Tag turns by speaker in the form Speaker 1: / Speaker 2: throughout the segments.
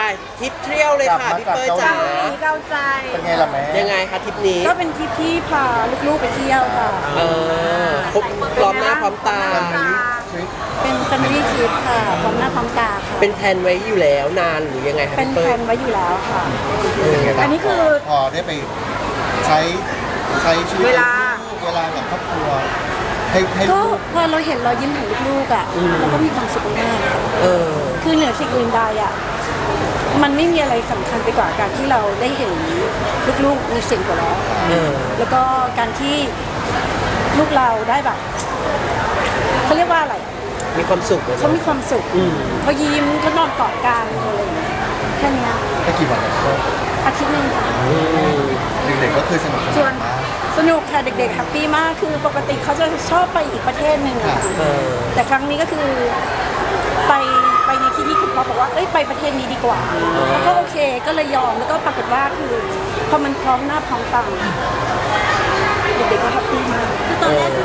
Speaker 1: ทริปเที่ยวเลยค่ะพี่เป้ยจ๋า
Speaker 2: เก้าใจ
Speaker 3: เป็นไงล่ะแม่
Speaker 1: ยังไงคะทริปนี้
Speaker 2: ก็เป็นทริปที่พาลูกๆไปเที่ยวค่ะ
Speaker 1: ครบพร้อมหน้าพร้อมตา
Speaker 3: ทริป
Speaker 2: เป็น family trip ค่ะพร้อมหน้าพร้อมตาค่ะ
Speaker 1: เป็นแผนไว้อยู่แล้วนานหรือยังไงคะ
Speaker 2: เป็น
Speaker 1: พี่
Speaker 2: แผ
Speaker 1: เป้ย
Speaker 2: นไว้อยู่แล้วค่ะ
Speaker 3: เป็นไงบ้าง
Speaker 2: อันนี้คือ
Speaker 3: พอได้ไปใช้ชีวิต
Speaker 2: เวลา
Speaker 3: กับครอบครัวให้
Speaker 2: ก็
Speaker 3: ลูก
Speaker 2: พอเราเห็นรอยยิ้มของลูกๆอ่ะเราก็มีความสุขมากค่ะ
Speaker 1: เออ
Speaker 2: คือเหนือสิ่งอื่นใดอ่ะมันไม่มีอะไรสำคัญไปกว่าการที่เราได้เห็นลูกๆมีเสียงหัวเราะ
Speaker 1: เออ
Speaker 2: แล้วก็การที่ลูกเราได้แบบเขาเรียกว่าอะไร
Speaker 1: มีความสุขเลย
Speaker 2: เขามีความสุข
Speaker 1: อืม
Speaker 2: เขายิ้มเขานอนกอดกันอะไรอย่างเงี้ยแค่เนี้ย
Speaker 3: ไปกี่วันแล้วก็
Speaker 2: อาทิตย์หนึงค่ะ
Speaker 3: เด็กๆก็คือสนุกสนานมาก
Speaker 2: สนุกค่ะเด็กๆแฮปปี้มากคือปกติเขาจะชอบไปอีกประเทศหนึ่งอะค่ะ
Speaker 1: เออ
Speaker 2: แต่ครั้งนี้ก็คือไปในที่ที่คุณพ่อบอกว่าเอ้ยไปประเทศนี้ดีกว่าแล้วก็โอเคก็เลยยอมแล้วก็ปรากฏว่าคือพอมันพร้อมหน้าพร้อมตาเด็กๆก็แฮปปี้มาก
Speaker 1: ตอนแรกคือ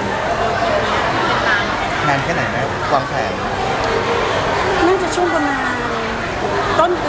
Speaker 3: นานแค่ไหนแม่วางแผน
Speaker 2: น่าจะช่วงประมาณต้นปี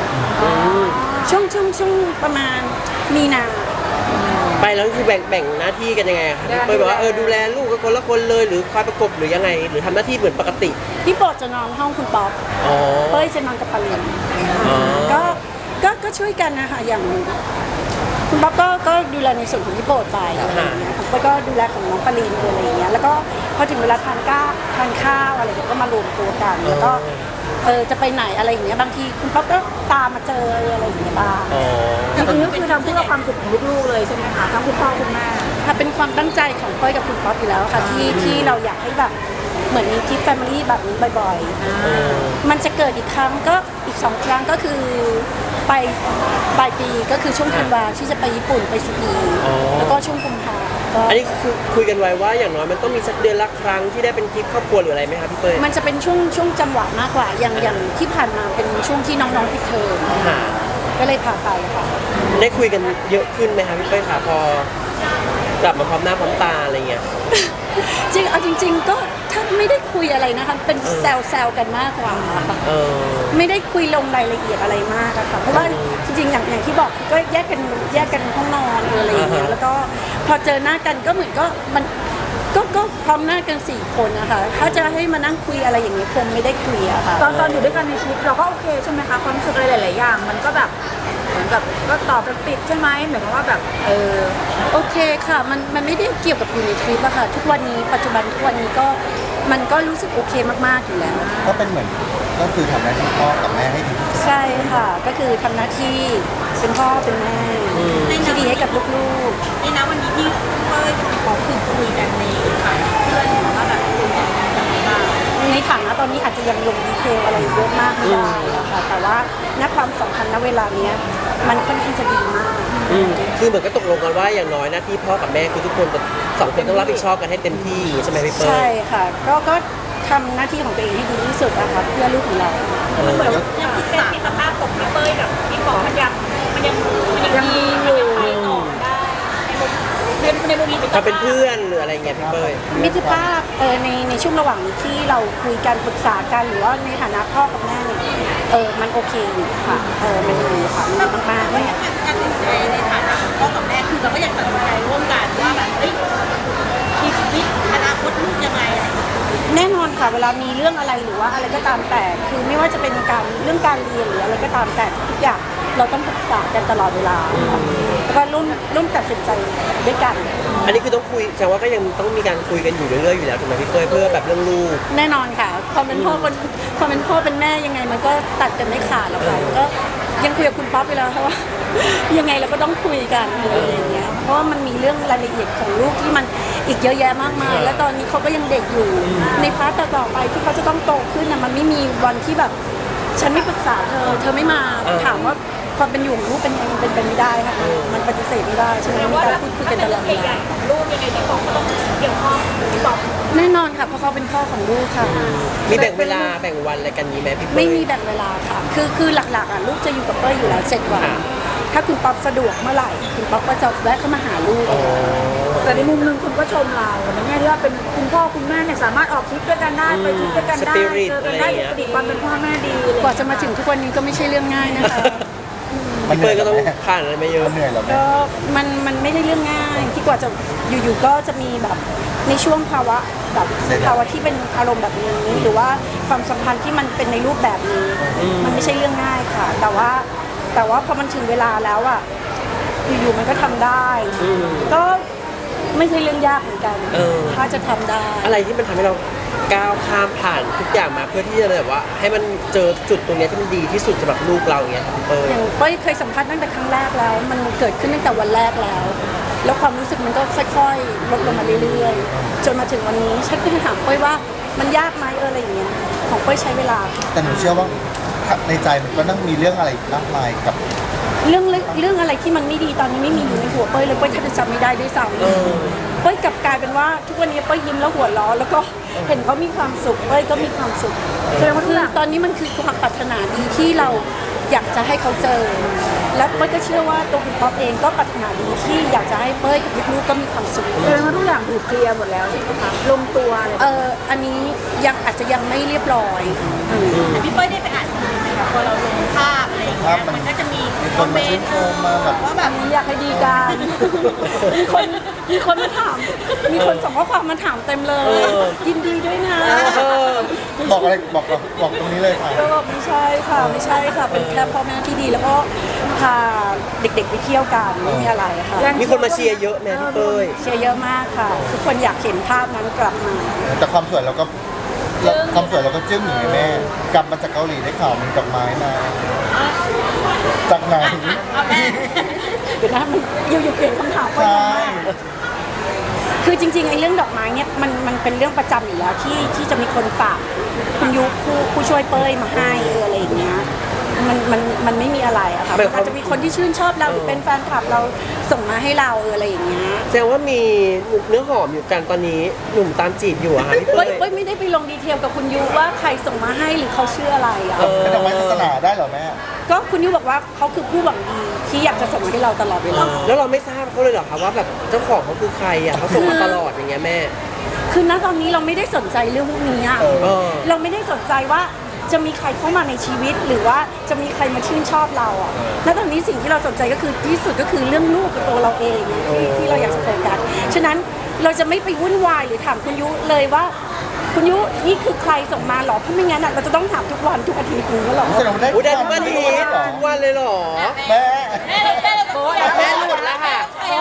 Speaker 2: ช่วงประมาณมีนา
Speaker 1: ไปแล้วคือแบ่งหน้าที่กันยังไงคะพี่เป้ยบอกว่าดูแลลูกก็คนละคนเลยหรือคอยประกบหรือยังไง หรือทำหน้าที่เหมือนปกติ
Speaker 2: พี่โปรดจะนอนห้องคุณป๊อป
Speaker 1: อ๋อ
Speaker 2: เป้ยจะนอนกับปาลิน
Speaker 1: อ๋อ
Speaker 2: ก็ช่วยกันนะคะอย่างคุณป๊อปก็ดูแลในส่วนของพี่โปรดไปอะไรอย่างเงี้ยผมก็ดูแลของน้องปาลินอะไรอย่างเงี้ยแล้วก็พอถึงเวลาทานข้าวอะไรเงี้ยก็มารวมตัวกันแล้วก็จะไปไหนอะไรอย่างเงี้ยบางทีคุณป๊อปก็ตามมาเจออะไรอย่างเงี้ยบ้าง
Speaker 1: อ๋อ
Speaker 2: จริงๆก็คือทำเพื่อความสุขของลูกๆเลยใช่ไหมคะทั้งคุณพ่อคุณแม่ค่ะเป็นความตั้งใจของเป้ยกับคุณป๊อปอยู่แล้วค่ะที่เราอยากให้แบบเหมือนมีทริปแฟมิลี่แบบนี้บ่อยๆมันจะเกิดอีกครั้งก็อีก2 ครั้งก็คือไปปลายปีก็คือช่วงธันวาที่จะไปญี่ปุ่นไปสกีแล้วก็ช่วงกุมภาก็
Speaker 1: อันนี้คือคุยกันไว้ว่าอย่างน้อยมันต้องมีสักเดือนละครั้งที่ได้เป็นทริปครอบครัวหรืออะไรไหมคะพี่เป้ย
Speaker 2: มันจะเป็นช่วงจังหวะมากกว่าอย่างที่ผ่านมาเป็นช่วงที่น้องๆปิดเทอม
Speaker 1: ค่ะ
Speaker 2: ก็เลยพาไปค่ะ
Speaker 1: ได้คุยกันเยอะขึ้นไหมคะพี่เป้ยคะพอกลับมาพร้อมหน้าพร้อมตาอะไรเงี้ย
Speaker 2: จริงๆก็ถ้าไม่ได้คุยอะไรนะคะเป็นแซวกันมากกว่าค่ะ
Speaker 1: เออ
Speaker 2: ไม่ได้คุยลงรายละเอียดอะไรมากอะค่ะเพราะว่าจริงๆอย่างที่บอกก็แยกกันห้องนอนหรืออะไรอย่างเงี้ยแล้วก็พอเจอหน้ากันก็เหมือนก็มันก็พร้อมหน้ากัน4 คนนะคะถ้าจะให้มานั่งคุยอะไรอย่างเงี้ยคงไม่ได้คุยอะค่ะ
Speaker 4: ตอนอยู่ด้วยกันในชีวิตเราก็โอเคใช่ไหมคะความรู้สึกอะไรหลายๆอย่างมันก็แบบเหมือนกับก็ตอบกันติดใช่ไหมหมายความว่าแบบ
Speaker 2: โอเคค่ะมันไม่ได้เกี่ยวกับอยู่ในทริปอะค่ะทุกวันนี้ปัจจุบันทุกวันนี้ก็มันก็รู้สึกโอเคมากๆอยู่แล้ว
Speaker 3: ก็เป็นเหมือนก็คือทำหน้าที่พ่อกับแม่ให้ดีที่สุด
Speaker 2: ใช่ค่ะก็คือทำหน้าที่เป็นพ่อเป็นแม่ที่ดีให้กับลูกๆ
Speaker 4: นี่นะวันนี้ที่เป้ยขอคือคุยกันในฐานะเพื่อนว่าแบบคุยกันยังไงบ้าง
Speaker 2: ในฐานะตอนนี้อาจจะยังลงดีเทลอะไรเยอะมากไม่ได้อะค่ะแต่ว่าณความสัมพันธ์ณเวลาเนี้ยมันค่อนข้างจะดีมาก
Speaker 1: คือเหมือนก็ตกลงกันว่าอย่างน้อยหน้าที่พ่อกับแม่คือทุกคนจะ2 คนต้องรับผิดชอบกันให้เต็มที่ใช่ไหมพี่เป้ย
Speaker 2: ใช่ค่ะก็ทำหน้าที่ของตัวเองให้ดีที่สุดนะคะเพื่อลูกของเรา
Speaker 4: มันเหมือนยังพิเศษที่สภาพของพี่เป้ยกับพี่ป๋อมันยังดีอยู่ไปต่อได้ในมุมนี้
Speaker 1: ถ้าเป็นเพื่อนหรืออะไรเงี้ยพี่เป้ย
Speaker 2: มิตรภาพในช่วงระหว่างที่เราคุยกันปรึกษากันหรือว่าในฐานะพ่อกับแม่เนี่ยมันโอเคอยู่ค่ะมันดีค่ะมันดีมากๆเลย
Speaker 4: การตัดสินใจในฐานะของพ่อกับแม่คือเราก็ยังตัดสินใจร่วมกันว่าแบบชีวิตอนาคตลูกยังไง
Speaker 2: แน่นอนค่ะเวลามีเรื่องอะไรหรือว่าอะไรก็ตามแต่คือไม่ว่าจะเป็นเรื่องการเรียนหรืออะไรก็ตามแต่ทุกอย่างเราต้องปรึกษากันตลอดเวลาแล้วก็ร่วมตัดสินใจด้วยกัน
Speaker 1: อันนี้คือต้องคุยแสดงว่าก็ยังต้องมีการคุยกันอยู่เรื่อยๆอยู่แล้วถูกไหมพี่เป้ยเพื่อแบบเรื่องลูก
Speaker 2: แน่นอนค่ะความเป็นพ่อเป็นแม่ยังไงมันก็ตัดกันไม่ขาดหรอกค่ะก็ยังคุยกับคุณป๊อปไปแล้วค่ะว่า ยังไงเราก็ต้องคุยกันอะไรอย่างเงี้ยเพราะว่ามันมีเรื่องรายละเอียดของลูกที่มันอีกเยอะแยะมากมายและตอนนี้เขาก็ยังเด็กอยู่ในพาร์ทต่อไปที่เขาจะต้องโตขึ้นนะมันไม่มีวันที่แบบฉันไม่ปรึกษาเธอไม่มาถามว่าความเป็นอยู่ของลูกเป็นยังไงมันเป็นไปไม่ได้ค่ะมันปฏิเสธไม่ได้ใช่ไหมมีการพูดคุยกันตลอดเวลา
Speaker 4: ของลูกยังไงที่ป๋อก็ต้องเกี่ยวข้องพี่ป๋อ
Speaker 2: แน่นอนค่ะเพราะเขาเป็นพ่อของลูกค่ะ
Speaker 1: มีแบ่งเวลาแบ่งวันอะไรกันนี้ไหมพี่เป้ย
Speaker 2: ไม่มีแบ่งเวลาค่ะคือหลักๆอ่ะลูกจะอยู่กับเป้ยอยู่แล้ว7 วัน
Speaker 1: ค่ะ
Speaker 2: ถ้าคุณป๊อปสะดวกเมื่อไหร่คุณป๊อปก็จะแวะเข้ามาหาลูก
Speaker 1: อ๋อ
Speaker 4: แต่ในมุมหนึงคุณก็ชมเราในแง่ที่ว่าเป็นคุณพ่อคุณแม่เนี่ยสามารถออกทริปด้วยกันได้ไปทริปด้วยกันได้
Speaker 1: Spirit
Speaker 4: เจอกันได้ปกติความเป็นพ่อแม่ดีเลย
Speaker 2: กว่าจะมาถึงทุกวันนี้ก็ไม่ใช่เรื่องง่ายนะคะ
Speaker 1: พี่เป้ยก็ต้องผ่านอะไรมาเยอะ
Speaker 3: มันเหนื่อยเหรอแม่
Speaker 2: ก็มันไม่ได้เรื่องง่ายที่กว่าจะอยู่ๆก็จะมีแบบในช่วงภาวะแบบภาวะที่เป็นอารมณ์แบบนี้หรือว่าความสัมพันธ์ที่มันเป็นในรูปแบบนี้ มันไม่ใช่เรื่องง่ายค่ะ แต่ว่าพอมันถึงเวลาแล้วอ่ะอยู่ๆมันก็ทำได้ ก็ไม่ใช่เรื่องยากเหมือนกัน ถ้าจะทำได้
Speaker 1: อะไรที่มันทำให้เราก้าวข้ามผ่านทุกอย่างมาเพื่อที่จะแบบว่า ให้มันเจอจุดตรงเนี้ยที่มันดีที่สุดสำหรับลูกเราอย่างเงี้ยครับพี่เป้ย
Speaker 2: อย่างเป้ยเคยสัมภาษณ์ตั้งแต่ครั้งแรกแล้ว มันเกิดขึ้นตั้งแต่วันแรกแล้ว แล้วความรู้สึกมันก็ค่อยๆลดลงมาเรื่อยๆจนมาถึงวันนี้ฉันก็ถามเป้ยว่ามันยากไหมอะไรอย่างเงี้ยของเป้ยใช้เวลา
Speaker 3: แต่หนูเชื่อว่าในใจมันก็ต้องมีเรื่องอะไรมากมายกับ
Speaker 2: เรื่องอะไรที่มันไม่ดีตอนนี้ไม่มีอยู่ในหัวเป้ยเลยเป้ยแทบจะจำไม่ได้ด้วยซ้ำเป้ยกลับกลายเป็นว่าทุกวันนี้เป้ยยิ้มแล้วหัวเราะแล้วก็เห็นเขามีความสุขเป้ยก็มีความสุขแสดงว่าคือตอนนี้มันคือความปรารถนาดีที่เราอยากจะให้เขาเจอ และเป้ยก็เชื่อว่าตัวคุณป๊อปเองก็ปรารถนาดีที่อยากจะให้เป้ยกับลูกๆก็มีความสุข
Speaker 4: แสดงว่าทุกอย่างถูกเคลียร์หมดแล้วใช่ไหมคะลงตัวอะไรแบบนี้
Speaker 2: อันนี้ยังอาจจะยังไม่เรียบร้อย
Speaker 4: แต่พี่เป้ยได้ไปอ่านคอมเมนต์ไหมคะพอเราลงภาพอะไรอย่างเงี้ยมันก็จะมี
Speaker 3: มีคนมาชื่นชมมาแบบ
Speaker 4: ว่าแบบ
Speaker 2: อยากให้ดีกัน มีคนมาถาม มีคนส่งข้อความมาถามเต็มเลย ยินดีด้วยนะ
Speaker 3: บอกอะไรบอกตรงนี้เลยค่ะ
Speaker 2: ก็บอกไม่ใช่ค่ะ ไม่ใช่ค่ะ เป็นแค่พ่อแม่ที่ดีแล้วก็พาเด็กๆไปเที่ยวกันไม่มีอะไรค่ะ
Speaker 1: มีคนมาเชียร์เยอะแม่พี่เป้ย
Speaker 2: เชียร์เยอะมากค่ะ ทุกคนอยากเห็นภาพนั้นกลับมา
Speaker 3: แต่ความสวยเราก็จึ้งอย่างไงแม่ กลับมาจากเกาหลีได้ข่าวมีดอกไม้มาจากไหน
Speaker 2: เดี๋ยวนะมันอยู่ๆเปลี่ยนคำถามไป
Speaker 3: ใช่
Speaker 2: คือจริงๆไอ้เรื่องดอกไม้เนี่ยมันเป็นเรื่องประจำอยู่แล้วที่จะมีคนฝากคุณยุผู้ช่วยเป้ยมาให้อะไรอย่างเงี้ยมันไม่มีอะไรอะค่ะ
Speaker 1: หมายความ
Speaker 2: อาจจะมีคนที่ชื่นชอบเราหรือเป็นแฟนคลับเราส่งมาให้เราอะไรอย่างเงี้ย
Speaker 1: แสดงว่ามีเนื้อหอมอยู่กันตอนนี้หนุ่มตามจีบอยู่อะค่ะพี่เป้ย
Speaker 2: เป้ยไม่ได้ไปลงดีเทลกับคุณยุว่าใครส่งมาให้หรือเขาชื่ออะไรอะ
Speaker 3: เป็นดอกไม้ศาสนาได้เหรอแม่
Speaker 2: ก็คุณยุบอกว่าเขาคือผู้หวังดีที่อยากจะส่งมาให้เราตลอดเวลา
Speaker 1: แล้วเราไม่ทราบเขาเลยเหรอคะว่าแบบเจ้าของเขาคือใครอะเขาส่งมาตลอดอย่างเงี้ยแม่
Speaker 2: คือณตอนนี้เราไม่ได้สนใจเรื่องพวกนี้อะ
Speaker 1: เออ
Speaker 2: เราไม่ได้สนใจว่าจะมีใครเข้ามาในชีวิตหรือว่าจะมีใครมาชื่นชอบเราอ่ะณตอนนี้สิ่งที่เราสนใจก็คือที่สุดก็คือเรื่องลูกกับตัวเราเองที่เราอยากจะโฟกัสฉะนั้นเราจะไม่ไปวุ่นวายหรือถามคุณยุเลยว่า คุณยุนี่คือใครส่งมาหรอเพราะไม่งั้นอะเราจะต้องถามทุกวันทุกอาทิตย์นึงก็หรอ
Speaker 3: แสดงว่าได้
Speaker 1: อุ้ยได้ทุกวันอาทิตย์
Speaker 3: เหรอ
Speaker 1: ทุกวันเลยเหรอ
Speaker 3: แม่
Speaker 1: แม่หลุดแล้วค่ะ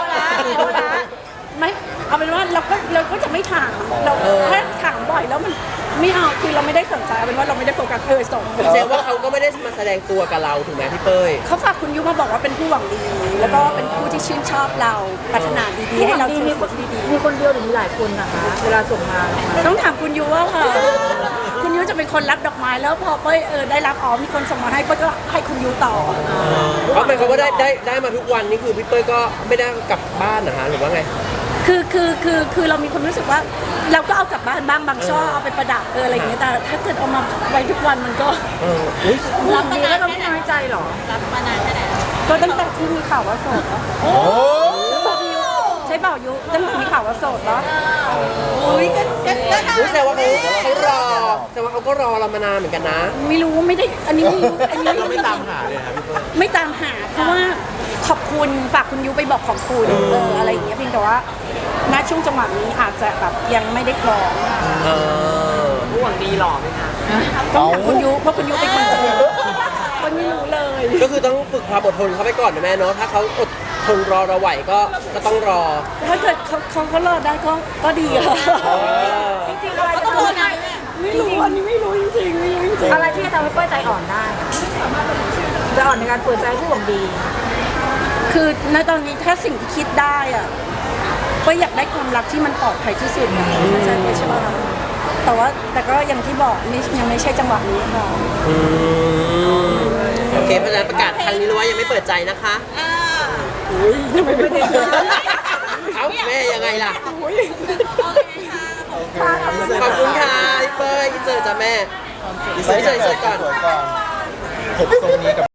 Speaker 2: ไม่เอาเป็นว่าเราก็จะไม่ถามเราถ้าถามบ่อยแล้วมันไม่เอาคือเราไม่ได้สนใจเอาเป็นว่าเราไม่ได้โฟกัสส่ง
Speaker 1: แสดงว่าเขาก็ไม่ได้มาแสดงตัวกับเราถูกไหมพี่เป้ย
Speaker 2: เขาฝากคุณยุมาบอกว่าเป็นผู้หวังดี แล้วก็เป็นผู้ที่ชื่นชอบเราปรารถนาดีๆให้เราเจอสิ่งที่ดี
Speaker 4: มีคนเดียวหรือมีหลายคนนะคะ เวลาส่งมา
Speaker 2: ๆต้องถามคุณยุว่าค่ะ คุณยุจะเป็นคนรับดอกไม้แล้วพอเป้ยได้รับมีคนส่งมาให้เป้ยก็ให้คุณยุต่อ
Speaker 1: เพราะหมายความว่าได้มาทุกวันนี่คือพี่เป้ยก็ไม่ได้กลับบ้านนะฮะหรือว่าไง
Speaker 2: คือเรามีความรู้สึกว่าเราก็เอากลับบ้านบ้างบางช่อเอาไปประดับอะไรอย่างเงี้ยแต่ถ้าเกิดเอามาไว้ทุกวันมันก็
Speaker 1: อุ้ย
Speaker 4: รับดีแล้วเราไม่น้อยใจหรอ รับมานานแค่ไหน
Speaker 2: ก็ตั้งแต่ที่มีข่าวว่าโสดแล้ว
Speaker 3: โอ้
Speaker 2: ใช่เปล่ายุตั้งแต่มีข่าวว่าโสดแล้ว
Speaker 1: อุ้ยแสดงว่าเขารอแสดงว่าเขาก็รอเรามานานเหมือนกันนะ
Speaker 2: ไม่รู้ไม่ได้อันนี้ไม่รู้อันนี้
Speaker 1: เราไม่ตามหาเลยครับพี่เป้ย
Speaker 2: ไม่ตามหาเพราะว่าขอบคุณฝากคุณยุไปบอกขอบคุณอะไรอย่างเงี้ยเพียงแต่ว่าณช่วงจังหวะนี้อาจจะแบบยังไม่ได้พร้อม
Speaker 1: ผู้หวังดีหล่อไหมคะ
Speaker 2: ต้องถามคุณยุเพราะคุณยุเป็นคนเจอคนไม่รู้เลย
Speaker 1: ก็คือต้องฝึกความอดทนเข้าไปก่อนนะแม่เนาะถ้าเขาอดทนรอเราไหวก็ต้องรอ
Speaker 2: ถ้าเกิดเขารอดได้ก็ดีค่ะ
Speaker 4: จริงๆอะไรจะทำได้
Speaker 2: ไม่รู้อันนี้ไม่รู้จริงๆไม่รู้จริง
Speaker 4: อะไรที่จะทำให้เป้ยใจอ่อนได้จะอ่อนในการเปิดใจผู้หวังดี
Speaker 2: ๆคือณตอนนี้ถ้าสิ่งที่คิดได้อะก็อยากได้ความรักที่มันปลอดภัยที่สุดนะเข้าใจไหมใช่ป่ะแต่ก็อย่างที่บอกยังไม่ใช่จังหวะนี้ค่ะ
Speaker 1: โอเคเพราะฉะนั้นประกาศครั้งนี้เลยว่ายังไม่เปิดใจนะคะ
Speaker 2: ทำไมไม่ได้
Speaker 1: เอ้าแม่ยังไงล่ะ
Speaker 3: โอเค
Speaker 1: ขอบคุณค่ะพี่เป้ยพี่เจอจ้ะแม่
Speaker 3: อีเซอร์ก่อนผมทรงนี้กับ